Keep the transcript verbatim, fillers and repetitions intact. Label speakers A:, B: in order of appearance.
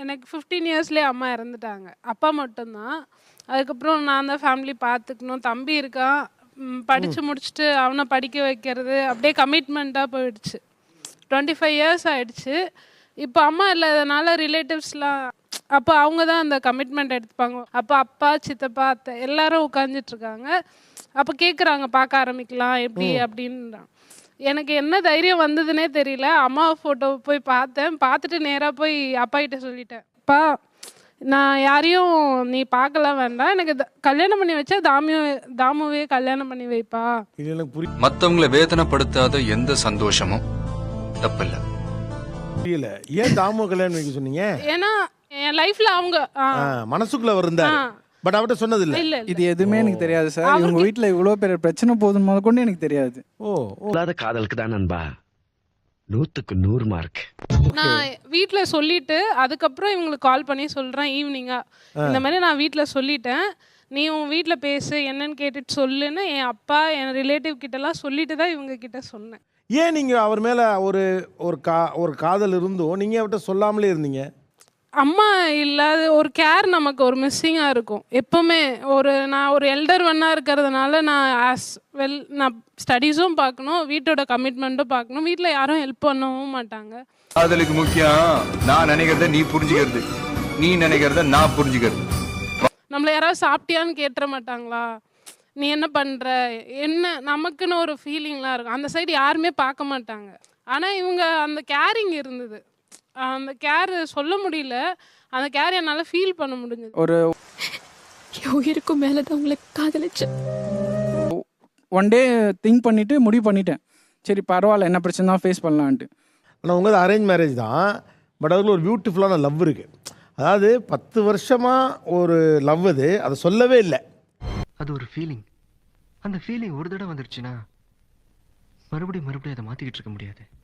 A: எனக்கு ஃபிஃப்டீன் இயர்ஸ்லேயே அம்மா இறந்துட்டாங்க. அப்பா மட்டும்தான். அதுக்கப்புறம் நான் தான் ஃபேமிலி பார்த்துக்கணும். தம்பி இருக்கான். படித்து முடிச்சுட்டு அவனை படிக்க வைக்கிறது அப்படியே கமிட்மெண்ட்டாக போயிடுச்சு. டுவெண்ட்டி ஃபைவ் இயர்ஸ் ஆகிடுச்சு. இப்போ அம்மா இல்லாதனால ரிலேட்டிவ்ஸ்லாம் அப்போ அவங்க தான் அந்த கமிட்மெண்ட் எடுத்துப்பாங்க. அப்போ அப்பா, சித்தப்பா, அத்தை எல்லாரும் உட்காந்துட்ருக்காங்க. அப்போ கேட்குறாங்க பார்க்க ஆரம்பிக்கலாம் எப்படி அப்படின்றான். எனக்கு என்ன தைரியம் வந்ததுன்னே தெரியல. அம்மா ஃபோட்டோவை போய் பார்த்தேன். பார்த்துட்டு நேராக போய் அப்பா கிட்ட சொல்லிட்டேன், அப்பா நான் யாரையும் நீ பார்க்கலாம் வேண்டாம், எனக்கு கல்யாணம் பண்ணி வச்சா தாமியோ தாமுவே கல்யாணம் பண்ணி வைப்பா.
B: மற்றவங்களை வேதனைப்படுத்தாத எந்த சந்தோஷமும் தப்பில்லை.
C: புரியல, ஏன் தாமு கல்யாணம் வைக்க சொன்னீங்க?
A: ஏன்னா என் லைஃப்ல அவங்க
C: மனசுக்குள்ள இருந்தாரு, பட் அவர்கிட்ட சொன்னது இல்ல.
A: இல்ல
D: இது எதுவுமே எனக்கு தெரியாது சார். இவங்க வீட்டுல இவ்வளவு பெரிய பிரச்சனை போதும் முதல் கொண்டு எனக்கு தெரியாது.
C: ஓ,
E: காதலுக்கு தான் நண்பா நூத்துக்கு நூறு மார்க்.
A: நான் வீட்ல சொல்லிட்டு அதுக்கப்புறம் இவங்களுக்கு கால் பண்ணி சொல்றேன் ஈவினிங்கா, இந்த மாதிரி நான் வீட்ல சொல்லிட்டேன், நீ உன் வீட்ல பேசு என்னன்னு கேட்டுட்டு சொல்லுன்னு என் அப்பா என் ரிலேட்டிவ் கிட்ட எல்லாம் சொல்லிட்டு தான் இவங்க கிட்ட சொன்னேன்.
C: ஏன் நீங்க அவர் மேல ஒரு ஒரு கா ஒரு காதல் இருந்தும் நீங்க அவர்கிட்ட சொல்லாமலே இருந்தீங்க?
A: அம்மா இல்லாத ஒரு கேர் நமக்கு ஒரு மிஸ்ஸிங்காக இருக்கும் எப்போவுமே. ஒரு நான் ஒரு எல்டர் ஒன்னாக இருக்கிறதுனால நான் ஆஸ் வெல் நான் ஸ்டடீஸும் பார்க்கணும், வீட்டோட கமிட்மெண்ட்டும் பார்க்கணும், வீட்டில் யாரும் ஹெல்ப் பண்ணவும் மாட்டாங்க.
B: காதலுக்கு முக்கியம் நான் நினைக்கிறத நீ புரிஞ்சுக்கிறது, நீ நினைக்கிறத நான் புரிஞ்சுக்கிறது.
A: நம்மளை யாராவது சாப்பிட்டியான்னு கேட்டுற மாட்டாங்களா, நீ என்ன பண்ணுற என்ன, நமக்குன்னு ஒரு ஃபீலிங்லாம் இருக்கும். அந்த சைடு யாருமே பார்க்க மாட்டாங்க. ஆனால் இவங்க அந்த கேரிங் இருந்தது. அந்த கேர் சொல்ல முடியல, அந்த கேர் என்னால் ஃபீல் பண்ண முடிஞ்சது.
D: ஒரு
F: உயிருக்கும் மேலே தான் உங்களை காதலிச்சேன்.
D: ஒன் டே திங்க் பண்ணிட்டு முடிவு பண்ணிட்டேன், சரி பரவாயில்ல என்ன பிரச்சனை தான் ஃபேஸ் பண்ணலான்ட்டு.
C: ஆனால் உங்கள் அரேஞ்ச் மேரேஜ் தான், பட் அதில் ஒரு பியூட்டிஃபுல்லான லவ் இருக்குது. அதாவது பத்து வருஷமாக ஒரு லவ், அது அதை சொல்லவே இல்லை.
G: அது ஒரு ஃபீலிங். அந்த ஃபீலிங் ஒரு தடவை வந்துருச்சுன்னா மறுபடியும் மறுபடியும் அதை மாற்றிக்கிட்டு இருக்க முடியாது.